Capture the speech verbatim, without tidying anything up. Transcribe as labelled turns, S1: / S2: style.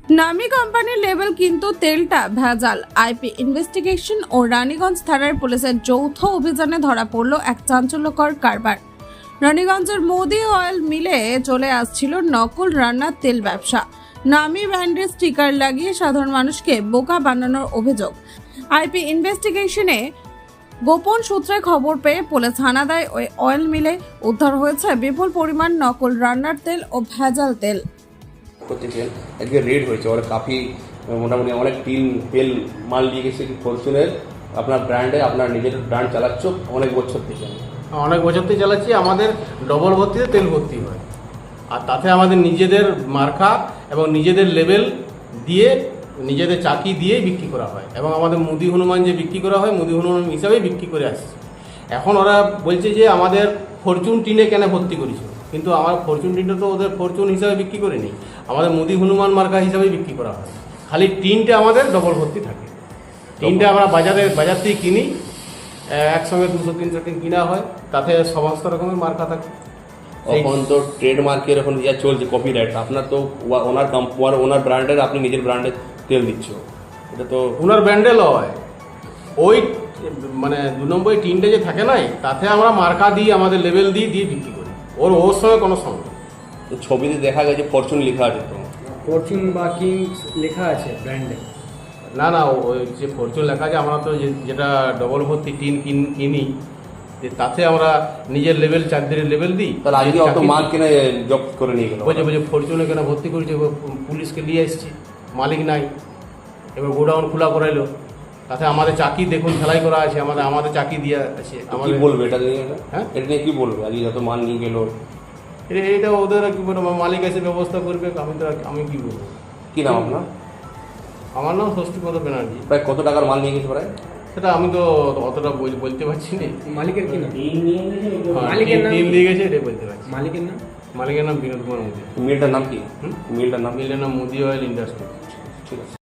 S1: নামি কোম্পানির লেবেল কিন্তু তেলটা ভেজাল। আইপি ইনভেস্টিগেশন ও রানীগঞ্জ থানার পুলিশের যৌথ অভিযানে ধরা পড়ল এক চাঞ্চল্যকর কারবার। রানীগঞ্জের মোদি অয়েল মিলে চলে আসছিল নকল রান্নার তেল ব্যবসা। নামি ব্র্যান্ডের স্টিকার লাগিয়ে সাধারণ মানুষকে বোকা বানানোর অভিযোগ। আইপি ইনভেস্টিগেশনে গোপন সূত্রে খবর পেয়ে পুলিশ হানা দেয় ওই অয়েল মিলে। উদ্ধার হয়েছে বিপুল পরিমাণ নকল রান্নার তেল ও ভেজাল তেল।
S2: করতেছেন আজকে রেড হয়েছে, ওরা কাফি মোটামুটি অনেক টিন তেল মাল নিয়ে গেছে ফরচুনের। আপনার ব্র্যান্ডে আপনার নিজের ব্র্যান্ড চালাচ্ছ অনেক বছর থেকে।
S3: অনেক বছর থেকে চালাচ্ছি। আমাদের ডবল ভর্তিতে তেল ভর্তি হয়, আর তাতে আমাদের নিজেদের মার্কা এবং নিজেদের লেবেল দিয়ে নিজেদের চাকি দিয়ে বিক্রি করা হয়, এবং আমাদের মুদি হনুমান যে বিক্রি করা হয় মুদি হনুমান হিসাবেই বিক্রি করে আসছে। এখন ওরা বলছে যে আমাদের ফরচুন টিনে কেন ভর্তি করেছে, কিন্তু আমার ফরচুন টিনটা তো ওদের ফরচুন হিসাবে বিক্রি করে নেই, আমাদের মুদি হনুমান মার্কা হিসাবেই বিক্রি করা হয়। খালি টিনটা আমাদের ডবল ভর্তি থাকে। টিনটা আমরা বাজারে বাজার থেকে কিনি, একসঙ্গে দুশো তিনশো টিন কিনা হয়, তাতে সমস্ত রকমের মার্কা থাকে।
S2: এখন তো ট্রেডমার্কের এখন যা চলছে কপিরাইট, আপনার তো ওনার কোম্পানি ওনার ব্র্যান্ডের আপনি নিজের ব্র্যান্ডের তেল দিচ্ছ, এটা তো
S3: ওনার ব্র্যান্ডে লয়। ওই মানে দু নম্বর টিনটা যে থাকে নাই, তাতে আমরা মার্কা দিই, আমাদের লেভেল দিয়ে দিয়ে বিক্রি করি। ওর ওর সঙ্গে কোনো সঙ্গে
S2: ছবিতে দেখা গেছে ফরচুন লেখা আছে, তো
S4: ফরচুন বা কিংস লেখা আছে ব্র্যান্ডে।
S3: না না ওই যে ফরচুন লেখা আছে, আমরা তো যেটা ডবল ভর্তি টিন কিনি যে তাতে আমরা নিজের লেভেল চাকরির লেভেল দিই।
S2: তাহলে আজকে অত মাল কিনে জব্দ করে নিয়ে গেল।
S3: বলছে বলছে ফরচুনে কেন ভর্তি করেছে, পুলিশকে নিয়ে এসছি, মালিক নাই, এবার গোডাউন খোলা করাইলো। তাতে আমাদের চাকি দেখুন সেলাই করা আছে, আমাদের আমাদের চাকি দিয়ে আছে।
S2: কি বলবে এটা নিয়ে?
S3: হ্যাঁ,
S2: এটা নিয়ে কি বলবে? আজকে যত মাল নিয়ে গেল
S3: এটা ওদের কি বলবো, মালিক এসে ব্যবস্থা করবে। আমি তো আমি কি বলবো।
S2: কি নাম আপনার?
S3: আমার নাম ষষ্ঠীপদ ব্যানার্জি।
S2: প্রায় কত টাকার মাল নিয়ে গেছে প্রায়?
S3: সেটা আমি তো অতটা বলতে পারছি না।
S4: মালিকের কি নাম?
S3: মালিকের নাম দিয়ে গেছে, এটাই বলতে পারছি।
S4: মালিকের নাম
S3: মালিকের নাম বিনোদ কুমার মোদী।
S2: মিলটার নাম কি? মিলটার নাম
S3: মিলের নাম মোদি অয়েল ইন্ডাস্ট্রি।
S2: ঠিক আছে।